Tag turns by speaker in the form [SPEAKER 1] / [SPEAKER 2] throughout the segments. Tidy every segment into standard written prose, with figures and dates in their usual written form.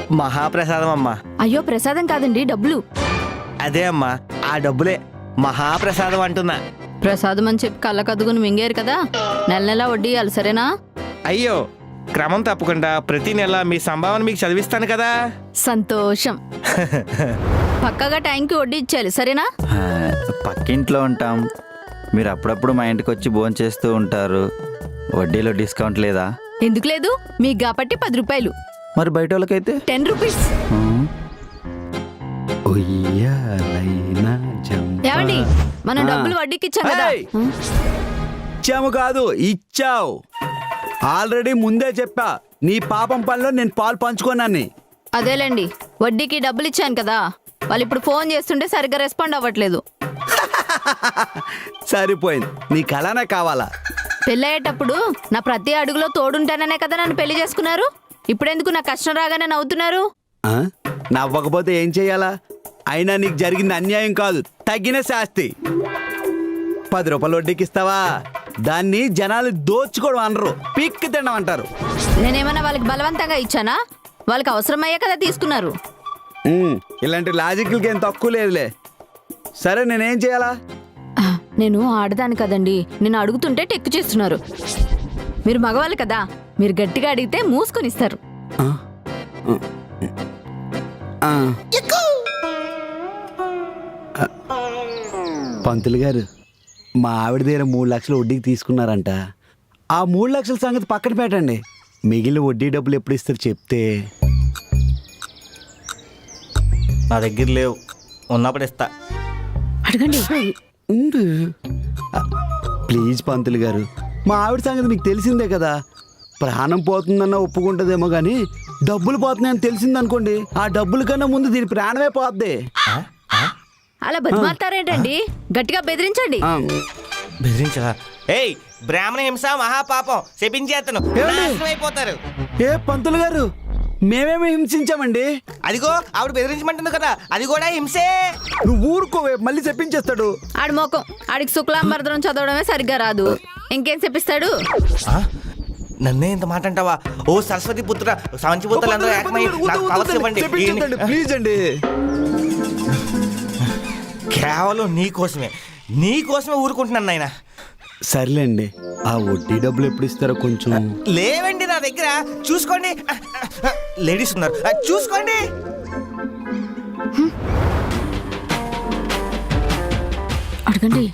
[SPEAKER 1] మహాప్రసాదం అమ్మా.
[SPEAKER 2] అయ్యో ప్రసాదం కాదండి, డబ్బులు.
[SPEAKER 1] అదే అమ్మా, ఆ డబ్బులే మహాప్రసాదం అంటున్నా.
[SPEAKER 2] ప్రసాదం అని చెప్పి కళ్ళ కద్దుకుని మింగారు కదా, నెల నెల వడ్డీ ఇవ్వాలి, సరేనా?
[SPEAKER 1] అయ్యో, క్రమం తప్పకుండా ప్రతి నెల మీ సంభావన మీకు చదివిస్తాను కదా.
[SPEAKER 2] సంతోషం. పక్కగా టైంకి వడ్డీ ఇచ్చేయాలి, సరేనా?
[SPEAKER 3] పక్కింట్లో ఉంటాం, మీరు అప్పుడప్పుడు మా ఇంటికి వచ్చి భోజనం చేస్తూ ఉంటారు. వడ్డీలో డిస్కౌంట్ లేదా?
[SPEAKER 2] ఎందుకు లేదు, మీకు కాబట్టి 10 రూపాయలు.
[SPEAKER 3] మరి బయట వాళ్ళకైతే
[SPEAKER 2] 10 రూపీస్. ఏమండి, మనం డబ్బులు వడ్డీకి ఇచ్చాం కదా.
[SPEAKER 4] ఇచ్చాము కాదు, ఇచ్చావు. ఆల్రెడీ ముందే చెప్పా, నీ పాపం పనిలో నేను పాలు పంచుకోనని.
[SPEAKER 2] అదేలేండి, వడ్డీకి డబ్బులు ఇచ్చాను కదా. వాళ్ళు ఇప్పుడు ఫోన్ చేస్తుంటే సరిగ్గా రెస్పాండ్ అవ్వట్లేదు.
[SPEAKER 4] సరిపోయింది, నీకు అలానే కావాలా?
[SPEAKER 2] పెళ్ళయ్యేటప్పుడు నా ప్రతి అడుగులో తోడుంటాననే కదా నన్ను పెళ్లి చేసుకున్నారు. ఇప్పుడెందుకు నా కష్టం రాగానే నవ్వుతున్నారు?
[SPEAKER 4] నవ్వకపోతే ఏం చెయ్యాలా? అయినా నీకు జరిగింది అన్యాయం కాదు, తగిన శాస్తి. 10 రూపాయలు వడ్డీకి ఇస్తావా? దాన్ని జనాలు దోచుకోవడం అనరు, పిక్కి తినడం అంటారు.
[SPEAKER 2] నేనేమన్నా వాళ్ళకి బలవంతంగా ఇచ్చానా? వాళ్ళకి అవసరమయ్యే కదా తీసుకున్నారు.
[SPEAKER 4] ఇలాంటి లాజిక్లకి ఏం తక్కువ లేదులే. సరే, నేనేం చేయాలా?
[SPEAKER 2] నేను ఆడదాను కదండి, నేను అడుగుతుంటే టెక్కు చేస్తున్నారు. మీరు మగవాళ్ళు కదా, మీరు గట్టిగా అడిగితే మూసుకొని ఇస్తారు.
[SPEAKER 4] పంతులు గారు, మా ఆవిడ దగ్గర 3 లక్షలు వడ్డీకి తీసుకున్నారంట. ఆ 3 లక్షల సంగతి పక్కన పెట్టండి, మిగిలిన వడ్డీ డబ్బులు ఎప్పుడు ఇస్తారు చెప్తే.
[SPEAKER 1] నా దగ్గర లేవు, ఉన్నప్పుడు ఇస్తా.
[SPEAKER 2] అడగండి.
[SPEAKER 4] ప్లీజ్ పంతులు గారు, మా ఆవిడ సంగతి మీకు తెలిసిందే కదా. ప్రాణం పోతుందన్న ఒప్పుకుంటుందేమో కానీ డబ్బులు పోతున్నాయని తెలిసిందనుకోండి, ఆ డబ్బుల కన్నా ముందు దీని ప్రాణమే పోద్ది.
[SPEAKER 2] అలా బతిమాలుతారేంటండి? గట్టిగా బెదిరించండి.
[SPEAKER 1] బెదిరించరా? ఏయ్, బ్రాహ్మణ హింస మహాపాపం, శపించేతను అయిపోతారు.
[SPEAKER 4] ఏ పంతులు గారు, మేమేమి హింసించామండి?
[SPEAKER 1] అదిగో ఆవిడ బెదిరించమంటుంది కదా, అది కూడా హింసే.
[SPEAKER 4] నువ్వు ఊరుకోవే, మళ్ళీ చెప్పించేస్తాడు.
[SPEAKER 2] ఆడి మోకం, ఆడికి శుక్లాంబరదనం చదవడమే సరిగ్గా రాదు, ఇంకేం చెప్పిస్తాడు?
[SPEAKER 1] నన్నే ఇంత మాట అంటావా? ఓ సరస్వతి పుత్ర, సాంచిపుత్రులందరూ ఏకమై నాకు పవర్స్ ఇవ్వండి.
[SPEAKER 4] ప్లీజ్ అండి.
[SPEAKER 1] కేవలం నీకోసమే ఊరుకుంటున్నాను నాయన.
[SPEAKER 4] సర్లేండి, ఆ వడ్డీ డబ్బులు ఎప్పుడు ఇస్తారో కొంచెం.
[SPEAKER 1] లేవండి నా దగ్గర, చూసుకోండి. లేడీస్ ఉన్నారు, చూసుకోండి.
[SPEAKER 2] అడగండి.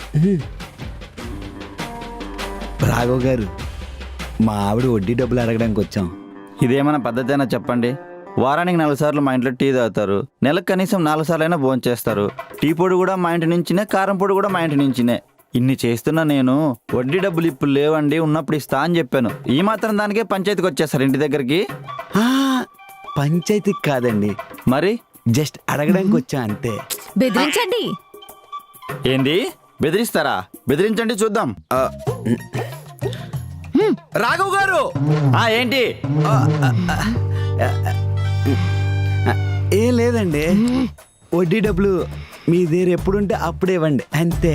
[SPEAKER 4] రాఘవ్ గారు, మా ఆవిడ వడ్డీ డబ్బులు అడగడానికి వచ్చాం.
[SPEAKER 3] ఇదేమైనా పద్ధతి అయినా చెప్పండి? వారానికి 4 సార్లు మా ఇంట్లో టీ తాగుతారు, నెలకు కనీసం 4 సార్లు అయినా భోజనం చేస్తారు. టీ పొడి కూడా మా ఇంటి నుంచినే, కారం పొడి కూడా మా ఇంటి నుంచినే. ఇన్ని చేస్తున్నా నేను వడ్డీ డబ్బులు ఇప్పుడు లేవండి, ఉన్నప్పుడు ఇస్తా అని చెప్పాను. ఈ మాత్రం దానికే పంచాయతీకి వచ్చేస్తారు ఇంటి దగ్గరికి.
[SPEAKER 4] పంచాయతీకి కాదండి,
[SPEAKER 3] మరి
[SPEAKER 4] జస్ట్ అడగడానికి వచ్చా అంతే.
[SPEAKER 2] బెదిరించండి.
[SPEAKER 3] ఏంది బెదిరిస్తారా? బెదిరించండి చూద్దాం.
[SPEAKER 4] రాఘవ్ గారు,
[SPEAKER 3] ఏంటి?
[SPEAKER 4] ఏం లేదండి, వడ్డీ డబ్బులు మీ దగ్గర ఎప్పుడుంటే అప్పుడే ఇవ్వండి అంతే.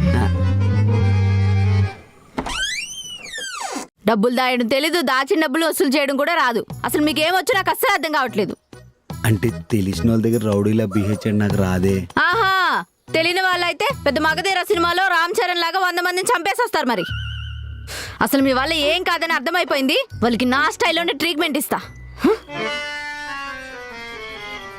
[SPEAKER 2] డబ్బులు దాయడం తెలీదు, దాచిన డబ్బులు వసూలు చేయడం కూడా రాదు. అసలు మీకేమొచ్చు నాకు అస్సలు అర్థం కావట్లేదు.
[SPEAKER 4] అంటే తెలిసిన వాళ్ళ దగ్గర రౌడీలా బిహేవ్ చేయడం నాకు రాదే.
[SPEAKER 2] ఆహా, తెలియని వాళ్ళైతే పెద్ద మగధీర సినిమాలో రామ్ చరణ్ లాగా 100 మందిని చంపేసి వస్తారు. మరి అసలు మీ వల్ల ఏం కాదని అర్థమైపోయింది. వాళ్ళకి నా స్టైల్లోనే ట్రీట్మెంట్ ఇస్తా.